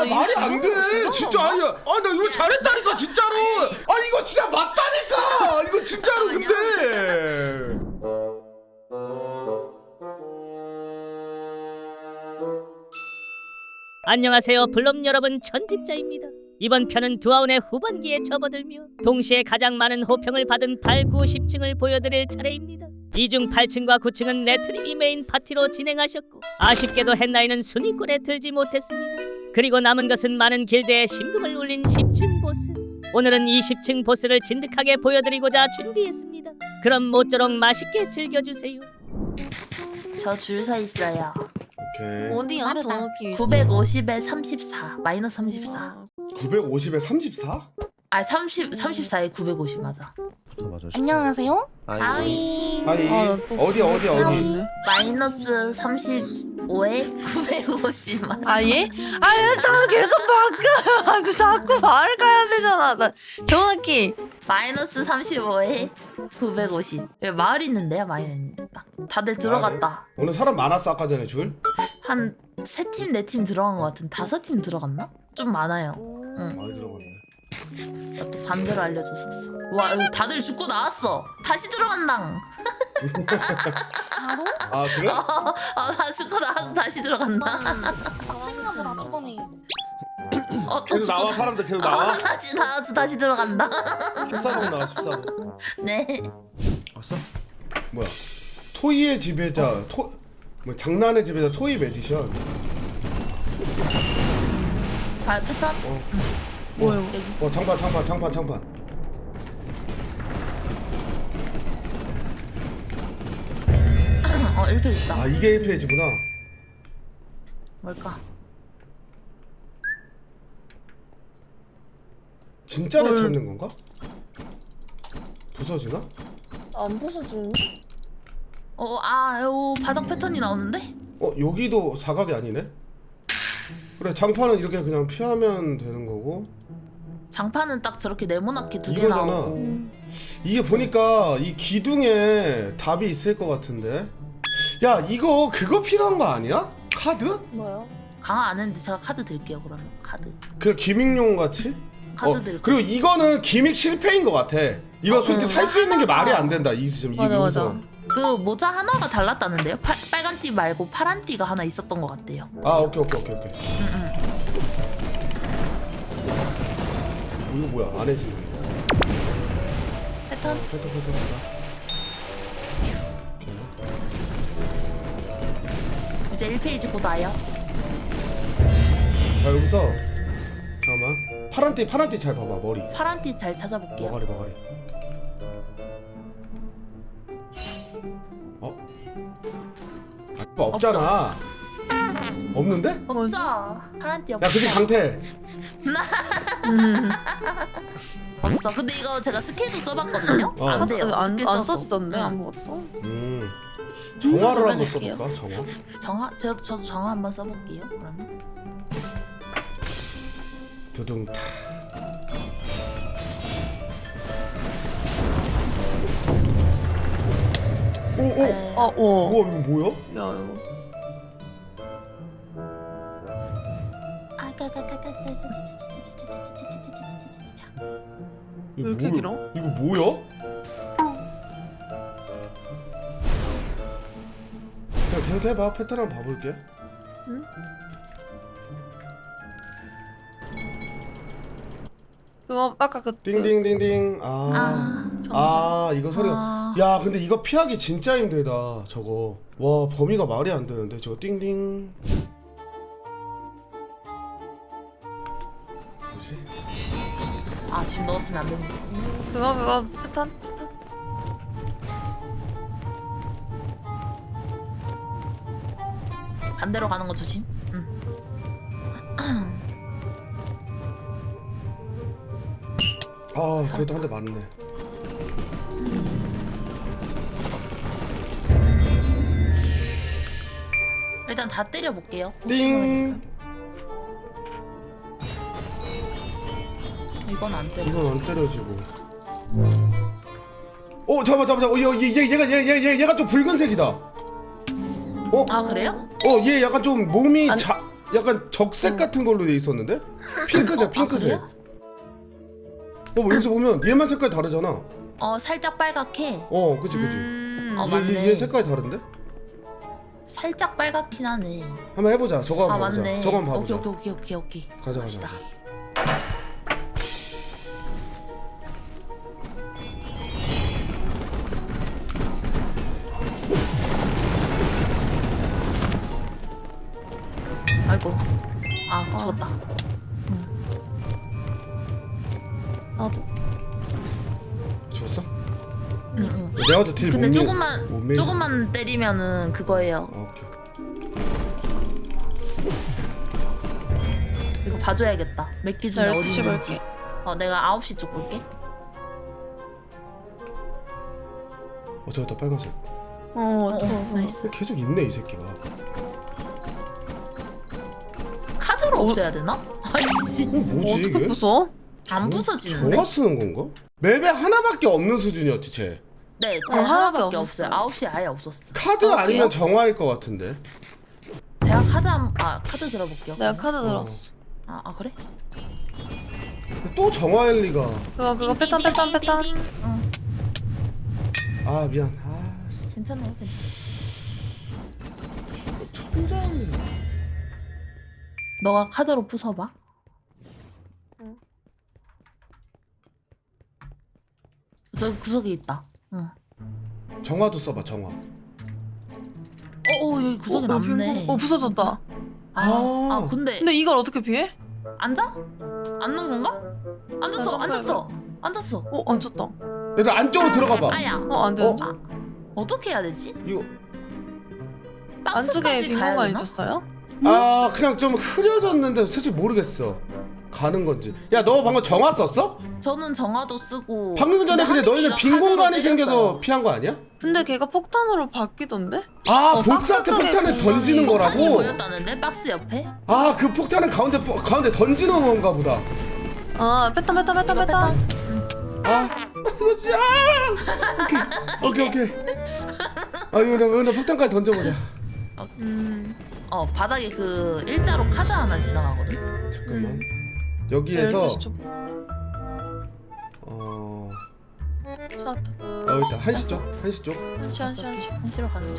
말이 안 돼. 진짜 아니야. 아, 나 이거 잘했다니까 진짜로. 아, 이거 진짜 맞다니까. 이거 진짜로 근데. 안녕하세요 블럼 여러분, 천집자입니다. 이번 편은 두아운의 후반기에 접어들며 동시에 가장 많은 호평을 받은 8, 9, 10층을 보여드릴 차례입니다. 이 중 8층과 9층은 레트님이 메인 파티로 진행하셨고 아쉽게도 헨나이는 순위권에 들지 못했습니다. 그리고 남은 것은 많은 길드에 심금을 울린 10층 보스. 오늘은 이 10층 보스를 진득하게 보여드리고자 준비했습니다. 그럼 모쪼록 맛있게 즐겨주세요. 저 줄 서 있어요. 오케이. 어디야 정확히? 950에 34 마이너스 34. 950에 34? 아 34에 950 맞아. 맞아. 안녕하세요. 아이 하이. 어디? 마이너스 35에 950 맞아. 아 예? 나 계속 바꿔. 그 자꾸 말을 가야 되잖아. 나 정확히 마이너스 35에 950. 여기 마을 있는데요, 마을 있는데. 다들 들어갔다. 오늘 사람 많았어 아까 전에 줄? 한 3팀 4팀 들어간 것 같은. 5팀 들어갔나? 좀 많아요. 응. 많이 들어갔네. 나 또 반대로 알려줬었어. 와 여기 다들 죽고 나왔어. 다시 들어간당. 바로? 아, 그래? 나 죽고 나와서 다시 들어간다. 생각보다 저번에 또 계속 나와, 사람들 계속 나와? 다시 나와서 다시 들어간다. 14번 나와, 14번. 네. 왔어? 뭐야? 토이의 지배자, 뭐 장난의 지배자 토이 매지션. 패턴? 뭐요? 여기. 장판. 1페이지 있다. 아, 이게 1페이지구나. 뭘까? 진짜를 찾는 건가? 부서지나? 안 부서지는데? 바닥 패턴이 나오는데? 여기도 사각이 아니네? 그래, 장판은 이렇게 그냥 피하면 되는 거고. 장판은 딱 저렇게 네모나게 두 개 이거잖아. 나오고. 이게 보니까 이 기둥에 답이 있을 것 같은데. 야, 이거 그거 필요한 거 아니야? 카드? 뭐요? 강화 안 했는데 제가 카드 드릴게요. 그러면 카드. 그냥 기믹용 같이? 카드 드릴게요. 그리고 이거는 기믹 실패인 것 같아. 이거 솔직히 살 수 있는 게 말이 안 된다. 이 지점. 맞아. 그 모자 하나가 달랐다는데요? 빨간 띠 말고 파란 띠가 하나 있었던 것 같대요. 아, 오케이. 이거 뭐야? 안에 지금. 패턴? 패턴. 이제 1페이지 곧 와요. 자, 여기서 잠깐만. 파란 띠 잘 봐봐. 머리. 파란 띠 잘 찾아볼게요. 머가리. 없잖아. 없는데? 없어. 파란 띠 야, 없어. 그게 강태. 없어. 근데 이거 제가 스킬도 써봤거든요. 안 돼요. 안 스킬 써도. 써지던데 응. 아무것도. 정화를 한번 써볼게요. 써볼까? 정화. 정화? 저도 정화 한번 써볼게요. 그러면. 두둥. 오. 네. 오. 우와, 이거 뭐야? 야 이거. 왜 이렇게 길어? 이거 뭐야? 그냥 계속 해봐. 패턴 한번 봐볼게. 그거 아까 그 띵띵띵띵. 이거 소리가. 아. 야, 근데 이거 피하기 진짜 힘들다. 저거. 와, 범위가 말이 안 되는데. 저거 띵띵. 뭐지? 지금 넣었으면 안 되는 거. 그거 패턴? 반대로 가는 거 조심. 응. 그래도 한 대 맞네. 일단 다 때려볼게요. 띵. 이건 안 때려. 이건 안 때려지고. 잠깐만. 얘가 좀 붉은색이다. 그래요? 얘 약간 좀 몸이 안- 약간 적색 같은 걸로 돼 있었는데? 핑크색 핑크색. 그래요? 뭐 여기서 보면 얘만 색깔 다르잖아. 살짝 빨갛게. 그치 그치. 맞네. 얘 색깔이 다른데? 살짝 빨갛긴 하네. 한번 해보자. 저거 한번 봐보자. 맞네. 저거 한번 봐보자. 오케이. 가자. 갑시다. 아이고. 죽었다. 나도. 죽었어? 응. 내가 저딜 근데 못 조금만 조금만 때리면은 그거예요. 오케이. 이거 봐줘야겠다. 몇 개 중에 나 어디 12시 있는지. 볼게. 내가 9시 쪽 볼게. 저기다 빨간색. 나이스. 계속 있네 이 새끼가. 카드로 없애야 되나? 아이씨. 뭐지 어떻게 이게? 부숴? 안 부서지는데? 정화 쓰는 건가? 맵에 하나밖에 없는 수준이었지 쟤. 네, 하나밖에 하나밖에 없었어. 없어요. 9시에 아예 없었어. 카드 아니면 정화일 것 같은데. 제가 카드 들어볼게요. 내가 카드 들었어. 그래? 또 정화일 리가. 그거 패턴. 띵. 응. 아 미안. 괜찮아요. 천장이. 너가 카드로 부숴봐. 응. 저 구석에 있다. 응. 정화도 써봐 정화. 여기 구석에 남네. 부서졌다. 근데 근데 이걸 어떻게 피해? 앉아? 앉는 건가? 앉았어. 앉았어. 앉았다. 얘들 안쪽으로 들어가봐. 아야. 안 돼. 어떻게 해야 되지? 이거 안쪽에 박스까지 빈 가야 공간 되나? 있었어요? 그냥 좀 흐려졌는데 솔직히 모르겠어. 가는 건지. 야 너 방금 정화 썼어? 저는 정화도 쓰고. 방금 전에 근데 너희는 빈 카드로 공간이 때렸어요. 생겨서 피한 거 아니야? 근데 걔가 폭탄으로 바뀌던데? 보스한테 박스 쪽에 폭탄을 던지는 공간이 폭탄이 거라고? 보였다는데 박스 옆에? 그 폭탄은 가운데 던지는 건가 보다. 패턴. 이거 진짜. 오케이. 이거 나 폭탄까지 던져보자. 바닥에 그 일자로 카드 하나 지나가거든. 잠깐만. 여기에서 12시 쪽. 찾았다. 여기 있다. 한시 쪽. 한시. 한시로 가는 중.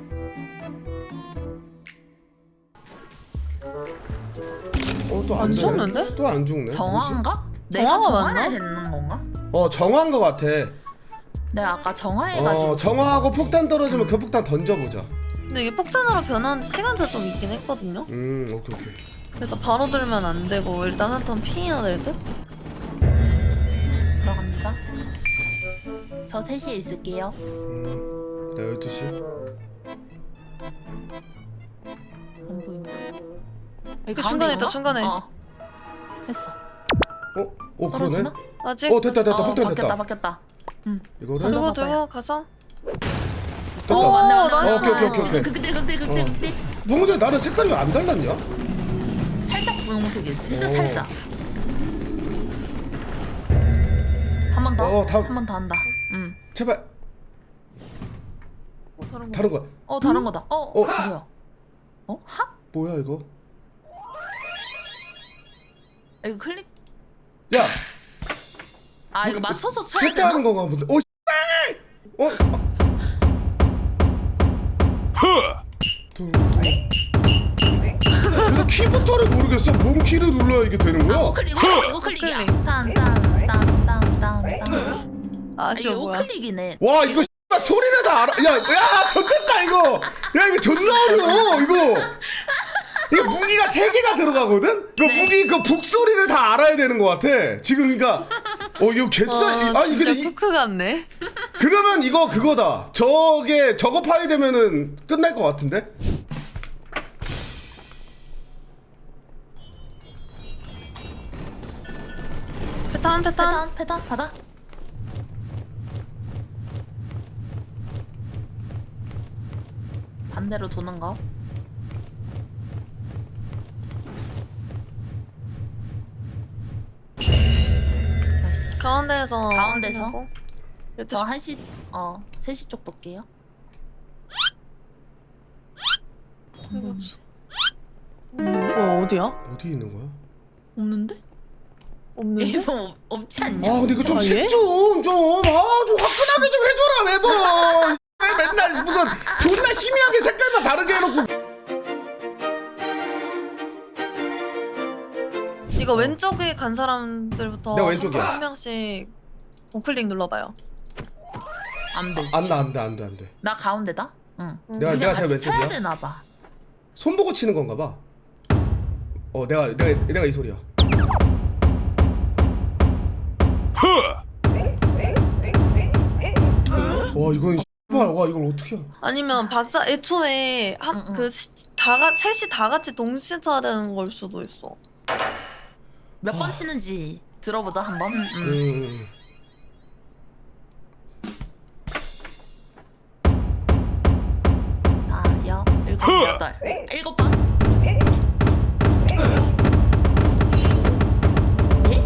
또 안 죽는데? 또 안 죽네. 정화인가? 내가 정화가 정화를 맞나? 했는 건가? 정화인 거 같아. 내가 아까 정화해가지고. 정화하고 폭탄 떨어지면 그 폭탄 던져보자. 근데 이게 폭탄으로 변하는 시간차 좀 있긴 했거든요. 오케이. 그래서 바로 들면 안 되고 일단 한 턴 피해야 될 듯? 들어갑니다. 저 3시에 있을게요. 나 12시. 안 보인다. 여기 그 중간에 있다, 가운데 중간에. 있나? 했어. 그러네. 떨어지나? 아직? 됐다. 폭탄 됐다. 바뀌었다. 이거를 가져. 들고 가서. 됐다. 오, 맞네. 오케이. 극딜. 방금 전에 나는 색깔이 왜 안 달랐냐? 살짝 분홍색이야. 진짜 오. 살짝. 한 번 더. 다음. 한 번 더 한다. 제발 다른 거. 다른 거야. 다른 거다. 뭐야? 합? 뭐야 이거? 이거 클릭? 야, 이거 맞춰서 쳐야 색깔 되나? 하는 건가 본데. 이거 키부터를 모르겠어. 뭔 키를 눌러야 이게 되는 거야? 이거 클릭이야. 클릭. 딴. 아쉬워 이거 뭐야. 클릭이네. 와 이거 소리를 다 알아. 야, 좋겠다 이거. 야 이거 존나 어려워 이거 무기가 3개가 들어가거든? 그 네. 무기 그 북소리를 다 알아야 되는 것 같아. 지금 그러니까 이거 개싸. 아니 진짜 근데 쿠크 같네. 그러면 이거 그거다. 저거 파이 되면은 끝날 것 같은데? 패턴. 패턴 받아. 반대로 도는 거. 나이스. 가운데에서. 가운데서? 확인하고. 저 1시 3시 쪽 볼게요. 이거 없어. 음. 어디야? 어디 있는 거야? 없는데? 없는데? 일본 없지 않냐? 아 근데 이거 좀 아, 색 예? 좀 화끈하게 좀 해줘라 매번. 왜 맨날 무슨 존나 희미하게 색깔만 다르게 해놓고. 이거 왼쪽에 간 사람들부터 내가 왼쪽이야. 한 명씩 우클릭 눌러봐요. 안 돼. 안돼. 나 가운데다? 응. 내가 근데 제일 같이 쳐야 왼쪽이야. 되나 봐. 손 보고 치는 건가 봐. 내가 이 소리야. 와 이건 씨발 와 이걸 어떻게? 아니면 박자 애초에 셋이 다 같이 동시에 쳐야 되는 걸 수도 있어. 몇 번 치는지 들어보자 한번. 아, 여, 일곱, 여덟, 일곱 번. 예?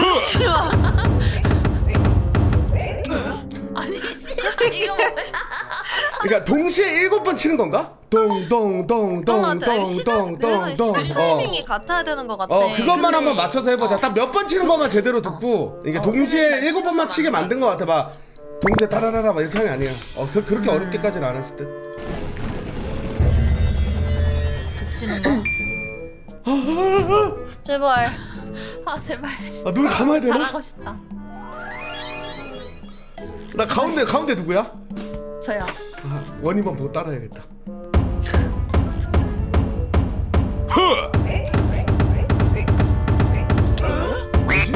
아니 씨, 이거 뭐야? 그러니까 동시에 7번 치는 건가? 시작 타이밍이 같아야 되는 것 같아. 그것만 한번 맞춰서 해보자. 딱 몇 번 치는 것만 제대로 듣고 이게 동시에 7번만 치게 만든 것 같아. 막 동시에 따라라라 막 이렇게 하는 게 아니야. 그렇게 어렵게까지는 안 했을 듯. 붙이는 거. 제발. 아 제발. 눈 감아야 되나? 잘하고 싶다. 나 가운데 누구야? 저요. 원희만 보고 따라해야겠다. 뭐지?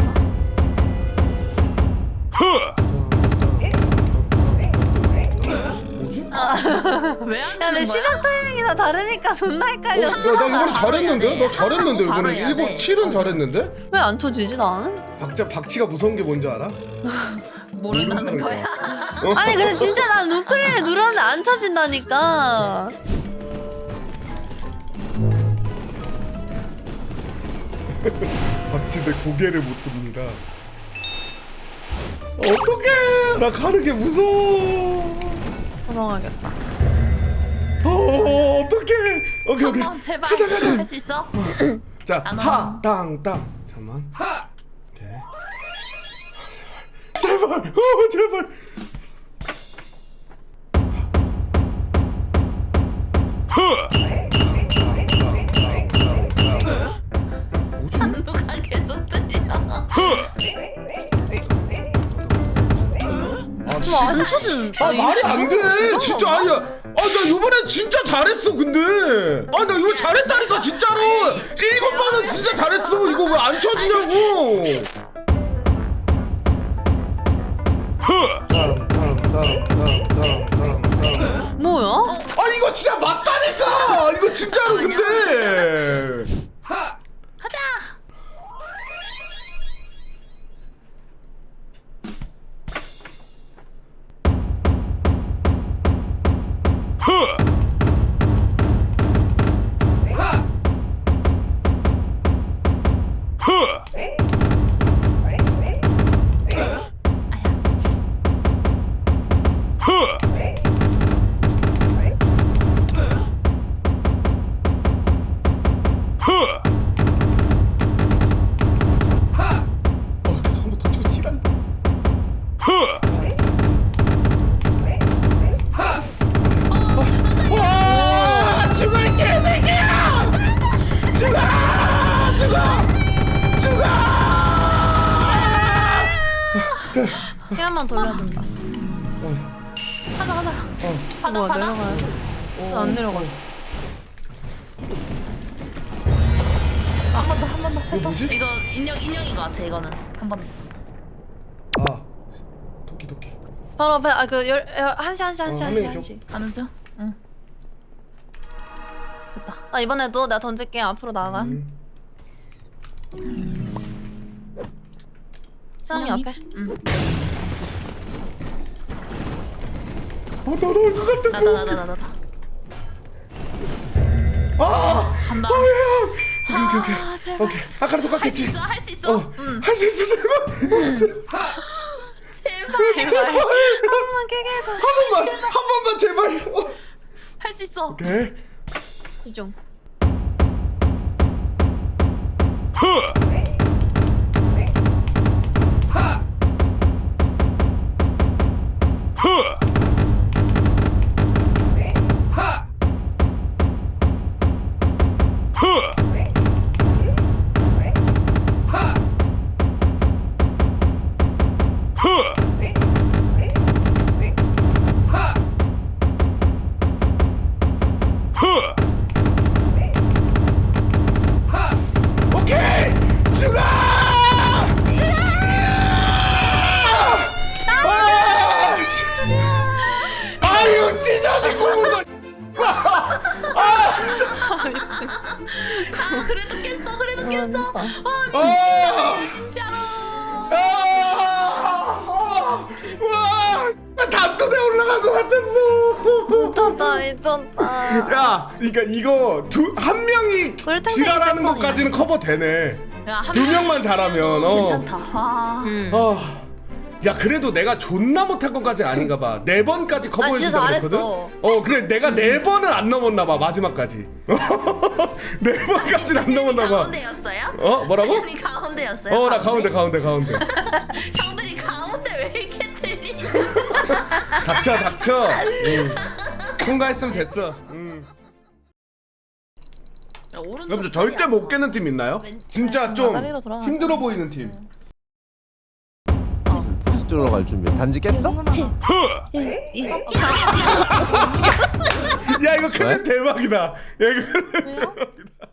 뭐지? 왜 안 야, 근데 되는 거야? 시작 타이밍이 다 다르니까 존나 헷갈려. 나 이번에 잘했는데? 너 잘했는데 바로 이번에 해야 7, 돼. 7은 잘했는데? 왜 안 쳐지지 나는? 박치가 무서운 게 뭔지 알아? 모른다는 거야. 아니 근데 진짜 난 우클릭을 누르는데 안 쳐진다니까. 박치 내 고개를 못 듭니다. 어떡해! 나 가는 게 무서워. 도망가겠다. 어떡해! 오케이. 한번 제발 가자. 할 수 있어? 자, 안 하, 땅. 잠깐만. 오케이. 제발. 제발. 뭐지? 누가 계속 들려? 안 쳐진. 말이 안 돼. 진짜 아니야. 나 이번에 진짜 잘했어. 근데 나 이거 잘했다니까 진짜로. 7번은 진짜 잘했어. 이거 왜 안 쳐지냐고. 뭐야? 이거 진짜 맞다니까. 이거 진짜로 근데. 하자. 계속 한번 더 치고 지랄. 와 죽을 개새끼야! 죽어! 힐 한 번 돌려야 된다. 가자. 뭐야 바다. 내려가야 돼? 안 내려가. 한 번 더. 이거 뭐지? 이거 인형인 것 같아 이거는. 한 번. 토끼. 바로 앞에 한시 한 명이죠. 한시. 가는 중? 응. 됐다. 나 이번에도 내가 던질게. 앞으로 나가. 수영이 앞에. 응. 나올 것 같아. 나다. 간다. 오케이. 아, 제발. 오케이. 아까랑 똑같겠지? 할 수 있어. 할 수 있어 제발. 제발. 한 번만 깨게 해줘. 한 번만 제발. 할 수 있어. 오케이. 집중. 오케이 죽어. 아유 찢어지 고무선. 그래도 깼어 그래도 깼어. 진짜로. 와 담도대 올라간 것 같았어. 미쳤다. 야, 그러니까 이거 한 명이 꿀탱탱이 지랄하는 세컨이네. 것까지는 커버 되네. 야, 한 두 명만 잘하면. 괜찮다. 아. 야 그래도 내가 존나 못한 것까지 아닌가 봐. 4번까지 커버해 진짜 준다 그랬거든. 잘했어. 그래 내가 4번은 안 넘었나 봐 마지막까지. 4번까지는 안 넘었나 봐. 가운데였어요? 뭐라고? 당연히 가운데였어요. 나 가운데. 형들이 가운데 왜 이렇게 들리냐? 닥쳐. 통과했으면 됐어. 여러분들 절대 못 깨는 팀 있나요? 진짜 좀 마다리로 돌아가자. 힘들어 보이는 팀. 들어갈 준비. 단지 깼어? 야 이거 클립 왜? 대박이다. 야 이거 왜요?